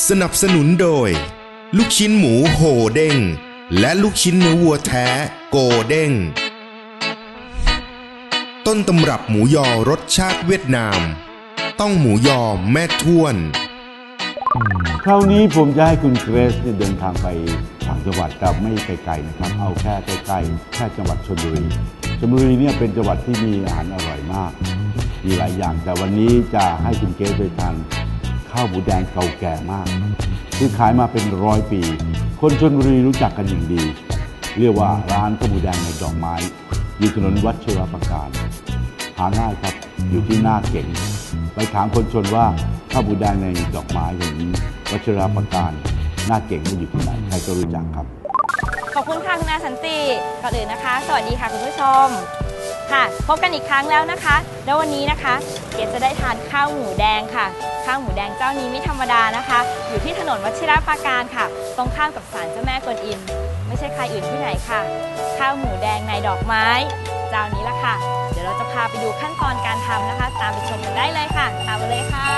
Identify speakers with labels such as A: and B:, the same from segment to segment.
A: สนับสนุนโดยลูกชิ้นหมูโหเด้งและลูกชิ้นเนื้อวัวแท้โกเด้งต้นตำรับหมูยอรสชาติเวียดนามต้องหมูยอแม่ท้วน
B: คราวนี้ผมจะให้คุณเกรซเดินทางไปต่างจังหวัดแต่ไม่ไกลๆนะครับเอาแค่ใกล้ๆแค่จังหวัดชลบุรีเนี่ยเป็นจังหวัดที่มีอาหารอร่อยมากมีหลายอย่างแต่วันนี้จะให้คุณเกรซไปทานข้าวหมูแดงเก่าแก่มากคือขายมาเป็น100 ปีคนชลบุรีรู้จักกันอย่างดีเรียกว่าร้านข้าวหมูแดงในดอกไม้อยู่ถนนวัชรประการหาง่ายครับอยู่ที่หน้าเก่งไปถามคนชนว่าข้าวหมูแดงในดอกไม้อย่างนี้วัชรประการหน้าเก่งมันอยู่ที่ไหนใครก็รู้จักครับ
C: ขอบคุณค่ะคุณอาสันติก่อนอื่นนะคะ สวัสดีค่ะคุณผู้ชมค่ะพบกันอีกครั้งแล้วนะคะแล้ววันนี้นะคะเกดจะได้ทานข้าวหมูแดงค่ะข้าวหมูแดงเจ้านี้ไม่ธรรมดานะคะอยู่ที่ถนนวชิรปราการค่ะตรงข้ามกับศาลเจ้าแม่กวนอิมไม่ใช่ใครอื่นที่ไหนค่ะข้าวหมูแดงในดอกไม้เจ้านี้ละค่ะเดี๋ยวเราจะพาไปดูขั้นตอนการทำนะคะตามไปชมกันได้เลยค่ะตามมาเลยค่ะ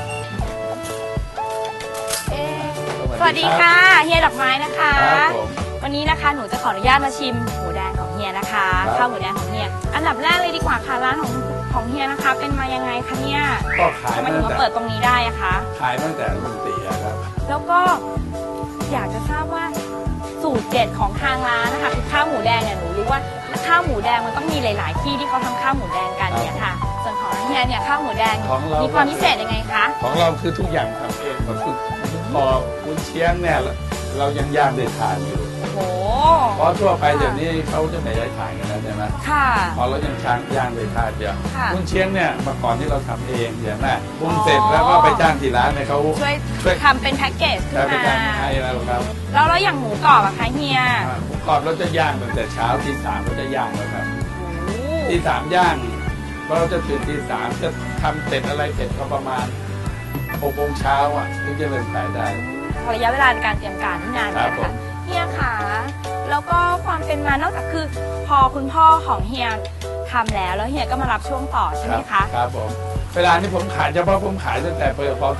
C: สวัสดีค่ะเฮียดอกไม้นะคะวันนี้นะคะหนูจะขออนุญาตมาชิมหมูแดงของเฮียนะคะข้าวหมูแดงของเฮียอันดับแรกเลยดีกว่าค่ะร้านของเฮียนะคะเป็นมายังไงคะเนี่ย
D: ก็ขาย
C: ทำไมถึงมาเปิดตรงนี้ได้อะคะ
D: ขายตั้งแต่รุ่นตีครับ
C: แล้วก็อยากจะทราบว่าสูตรเด็ดของทางร้านนะคะคือข้าวหมูแดงเนี่ยหนูรู้ว่าข้าวหมูแดงมันต้องมีหลายๆที่ที่เขาทำข้าวหมูแดงกันเนี่ยค่ะส่วนของเฮียเนี่ยข้าวหมูแดงมีความพิเศษยังไงคะ
D: ของเราคือทุกอย่างทำเองก็คือพอคุณเชียงเนี่ยเรายังย่างได้ทานอยู่
C: โอ้
D: เพราะทั่วไปเดี๋ยวนี้เขาจะไม่ได้ขายกันแล้วใช่ไหม
C: ค่ะ
D: พอเรายังย่างได้ทานเดียวคุณเชียงเนี่ยเมื่อก่อนที่เราทำเองเดี๋ยวนะปรุงเสร็จแล้วก็ไปจ้างที่ร้านเนี่ยเขา
C: ช่วยทำเป็นแพ็กเกจขึ้นมา
D: ให้เราครับ
C: แล้วอย่างหมูกรอบอะคะเฮีย
D: หมูกรอบเราจะย่างตั้งแต่เช้าตี 3เราจะย่างแล้วครับตี 3ย่างเราจะตื่นตี 3จะทำเสร็จอะไรเสร็จก็ประมาณ6 โมงเช้าอ่ะถึงจะเริ่มขายได้
C: ระยะเวลาในการเตรียมการที่นานนะคะเฮียค่ะแล้วก็ความเป็นมานอกจากคือพอคุณพ่อของเฮียทำแล้วเฮียก็มารับช่วงต่อใช่ไหมคะ
D: ครับผมเวลานี้ผมขายเฉพาะผมขายตั้งแต่ปีพ.ศ.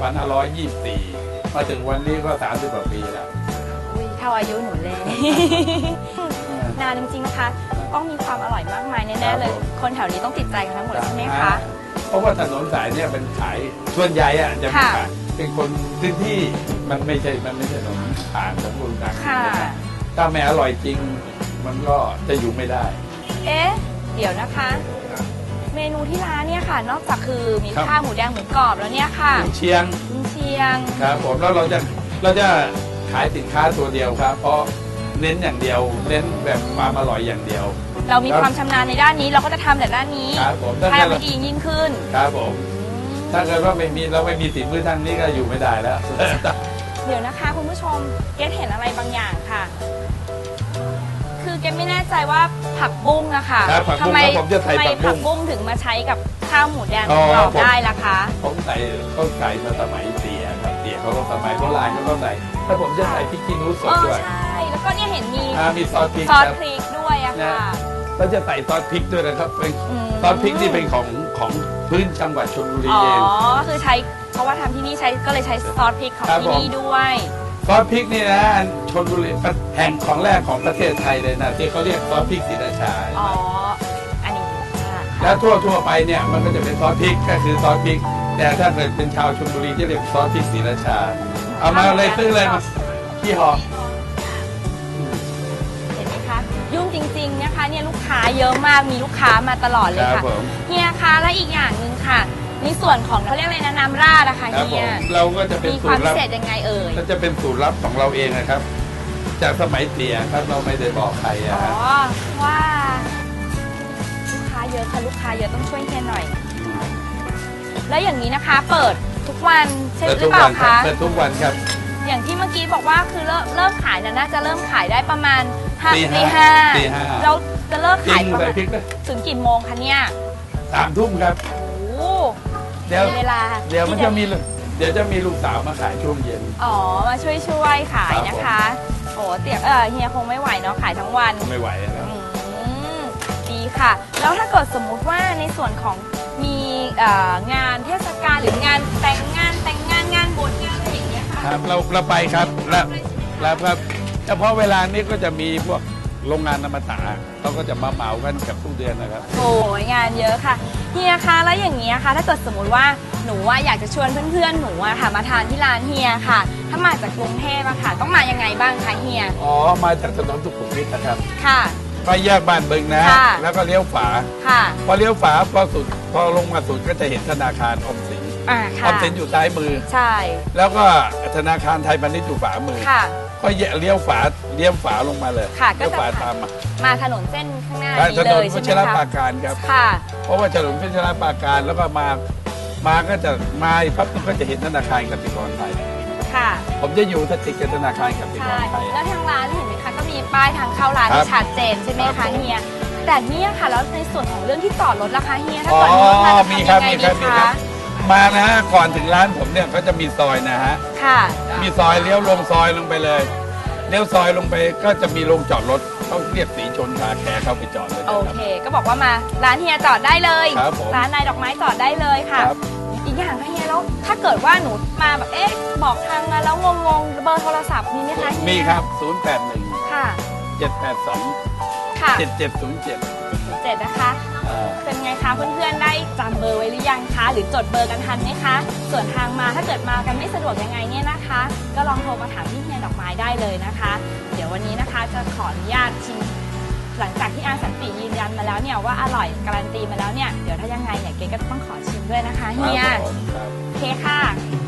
D: 2524มาถึงวันนี้ก็30 กว่าปีแล้ว
C: เท่าอายุหนูเลยนานจริงๆนะคะต้องมีความอร่อยมากมายแน่ๆเลยคนแถวนี้ต้องติดใจกันทั้งหมดใช่ไหมคะ
D: เพราะว่าถนนสายเนี่ยเป็นขายส่วนใหญ่อะจะเป็นขายเป็นคนพื้นที่มันไม่ใช่ถนนผ่านของคนต่างถ้าไม่อร่อยจริงมันก็จะอยู่ไม่ได้
C: เดี๋ยวนะคะเมนูที่ร้านเนี่ยค่ะนอกจากคือมีข้าวหมูแดงหมูกรอบแล้วเนี่ยค่ะ
D: เชียงครับผมแล้วเราจะขายสินค้าตัวเดียวครับเพราะเน้นอย่างเดียวเน้นแบบความอร่อยอย่างเดียว
C: เรามีความชำนาญในด้านนี้เราก็จะทำแต่ด้านนี้ให้มันดียิ่งขึ้น
D: ครับผมถ้าเกิดว่าไม่มีฝีมือทางนี้ก็อยู่ไม่ได้แล้ว
C: เดี๋ยวนะคะคุณผู้ชมเกดเห็นอะไรบางอย่างค่ะคือเกดไม่แน่ใจว่าผักบุ้งอะค่ะ
D: ทำไม
C: ผักบุ้งถึงมาใช้กับข้าวหมูแดงของเราได้ล่ะคะ
D: ผมใส่มาสมัยเตี๋ยครับเตี๋ยเขาก็สมัยโบราณเขาก็ใส่ถ้าผมจะใส่พริกขี้หนูสดด้วย
C: ใช่แล้วก็เนี่ยเห็น
D: มีซอสพริก
C: ด้วยอะค่ะ
D: เราจะใส่ซอสพริกด้วยนะครับเป็นซอสพริกที่เป็นของพื้นจังหวัดชลบุรีเอง
C: คือใช้เพราะว่าทำที่นี่ก็เลยใช้ซอสพริกของที่นี่ด้วย
D: ซอสพริกนี่นะชลบุรีแห่งของแรกของประเทศไทยเลยนะที่เขาเรียกซอสพริกศรีราชา
C: อันนี้
D: แล้วทั่วไปเนี่ยมันก็จะเป็นซอสพริกก็คือซอสพริกแต่ถ้าเกิดเป็นชาวชลบุรีจะเรียกซอสพริกศรีราชาเอามาเลยซื้อเลยมาที่ห่อ
C: เห็นไหมคะยุ่งจริงๆนะคะเนี่ยลูกค้าเยอะมากมีลูกค้ามาตลอดเลยค่ะเฮียคะและอีกอย่างหนึ่งค่ะในส่วนของเขาเรียกอะไรนะน้ำราดนะคะเฮีย
D: เราก็จะเป็น
C: มีความพิเศษยังไง
D: ก็จะเป็นสูตรลับของเราเองนะครับจากสมัยเตี๋ยครับเราไม่ได้บอกใคร
C: ว่าลูกค้าเยอะค่ะลูกค้าเยอะต้องช่วยเฮียหน่อยแล้วอย่างนี้นะคะเปิดทุกวันใช่หรือเปล่าคะ
D: เปิดทุกวันครับ
C: อย่างที่เมื่อกี้บอกว่าคือเริ่มขายน่าจะเริ่มขายได้ประมาณตี 5เราจะเลิกขายถึงกี่โมงคะเนี่ย
D: 3 ทุ่มครับเดี๋ยวมันจะมีเดี๋ยวจะมีลูกสาวมาขายช่วงเย็น
C: มาช่วยขายนะคะโอ้เฮียคงไม่ไหวเนาะขายทั้งวัน
D: ไม่ไหวแล้ว
C: ดีค่ะแล้วถ้าเกิดสมมุติว่าในส่วนของมีงานเทศกาลหรืองานแต่งงานงานบวชงานอะไรอย่างเงี้ยค่ะ
D: ครับเราไปครับแล้วครับเฉพาะเวลานี้ก็จะมีพวกโรงงานอมตะเขาก็จะมาเหมากันกับทุกเดือนนะครับ
C: โอ้ยงานเยอะค่ะเฮียคะแล้วอย่างนี้ค่ะถ้าเกิดสมมุติว่าหนูอยากจะชวนเพื่อนๆหนูค่ะมาทานที่ร้านเฮียค่ะ ถ้ามาจากกรุงเทพอะค่ะ ต้องมายังไงบ้างคะเฮีย
D: อ๋อมาจากถนนสุขุมวิทนะครับ
C: ค่ะ
D: ไปแยกบ้านบึงนะ
C: ค่ะ
D: แล้วก็เลี้ยวฝา
C: ค่ะ
D: พอเลี้ยวฝาพอลงมาสุดก็จะเห็นธนาคารออมสิน
C: อ่า
D: อ
C: ค่ะ
D: อมสินอยู่ซ้ายมือ
C: ใช่
D: แล้วก็ธนาคารไทยพาณิชย์อยู่ขวามือ
C: ค่ะ
D: ก็เลี้ยวฝาลงมาเลย
C: ค่ะก็
D: เลี้ยว
C: จะ
D: ฝาตามมา
C: มาถนนเส้นข้างหน้า
D: ถ
C: นี้
D: น
C: เล
D: น
C: ย
D: พั
C: ใช่
D: ช
C: ไหม
D: รปรา
C: คะ
D: การครับ
C: ค่ะ
D: เพราะว่าถนนพัชรปราการแล้วก็มาก็จะมาปั๊บก็จะเห็นธนาคารกสิกรไทย
C: ค่ะ
D: ผมจะอยู่ติดกับธนาคารกสิก
C: ใช่
D: รไทย
C: แล้วทางร้านเห็นไหมคะก็มีป้ายทางเข้าร้าน
D: ครับ
C: ที่ชัดเจนใช่ไหม
D: ครั
C: คะ
D: บผม
C: เฮียแต่เนี่ยค่ะแล้วในส่วนของเรื่องที่จอดรถราคาเฮียถ้า
D: อ๋อ
C: จอดรถมาจะ
D: มี
C: ทำ
D: ครั
C: ยั
D: บ
C: งไง
D: มี
C: ดี
D: ครับมีครั
C: คะ
D: บ มานะฮะก่อนถึงร้านผมเนี่ยก็จะมีซอยนะฮะ
C: ค่ะ
D: มีซอยเลี้ยวลงซอยลงไปเลยเลี้ยวซอยลงไปก็จะมีโรงจอดรถเขาเรียกสีชนคาแคร์เข้าไปจอดเลย
C: โอ
D: นะครับ
C: เค ก็บอกว่ามาร้านเฮียจอดได้เลย
D: ครับผม
C: ร้านนายดอกไม้จอดได้เลยค่ะ
D: ครับ
C: อีกอย่างค่ะเฮียแล้วถ้าเกิดว่าหนูมาแบบบอกทางมาแล้วงงๆเบอร์โทรศัพท์มีไหมคะเฮีย
D: มีครับ 081
C: ค่ะ
D: 782
C: ค่ะ
D: 7707
C: 7นะคะ เป็นไงคะเพื่อนๆได้จำเบอร์ไว้หรือยังคะ หรือจดเบอร์กันทันไหมคะ ส่วนทางมาถ้าเกิดมากันไม่สะดวกยังไงเนี่ยนะคะ ก็ลองโทรมาถามที่เฮียดอกไม้ได้เลยนะคะ เดี๋ยววันนี้นะคะจะขออนุญาตชิมหลังจากที่อาสันติยืนยันมาแล้วเนี่ยว่าอร่อยการันตีมาแล้วเนี่ยเดี๋ยวถ้ายังไงเนี่ยเก๋ก็ต้องขอชิมด้วยนะคะเฮีย
D: ครับผมครับ
C: โอเคค่ะ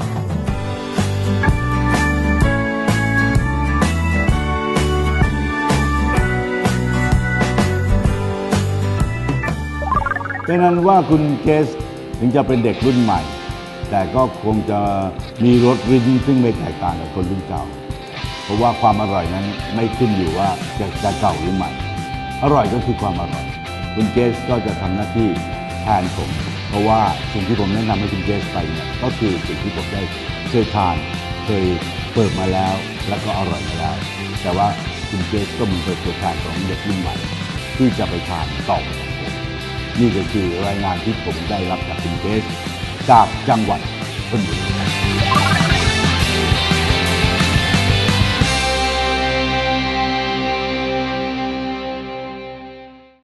B: เป็นนั้นว่าคุณเกสถึงจะเป็นเด็กรุ่นใหม่ แต่ก็คงจะมีรสริ้นซึ่งไม่แตกต่างกับคนรุ่นเก่า เพราะว่าความอร่อยนั้นไม่ขึ้นอยู่ว่าจะเก่าหรือใหม่ อร่อยก็คือความอร่อย คุณเกสก็จะทำหน้าที่แทนผม เพราะว่าสิ่งที่ผมแนะนำให้คุณเกสไปเนี่ยก็คือสิ่งที่ผมได้เคยทานเคยเปิดมาแล้วแล้วก็อร่อยมาแล้ว แต่ว่าคุณเกสก็มีประสบการณ์ของเด็กรุ่นใหม่ ที่จะไปทานต่อจากผม นี่ก็คือรายงานที่ผมได้รับจากคุณเกสจากจังหวัดชลบุรี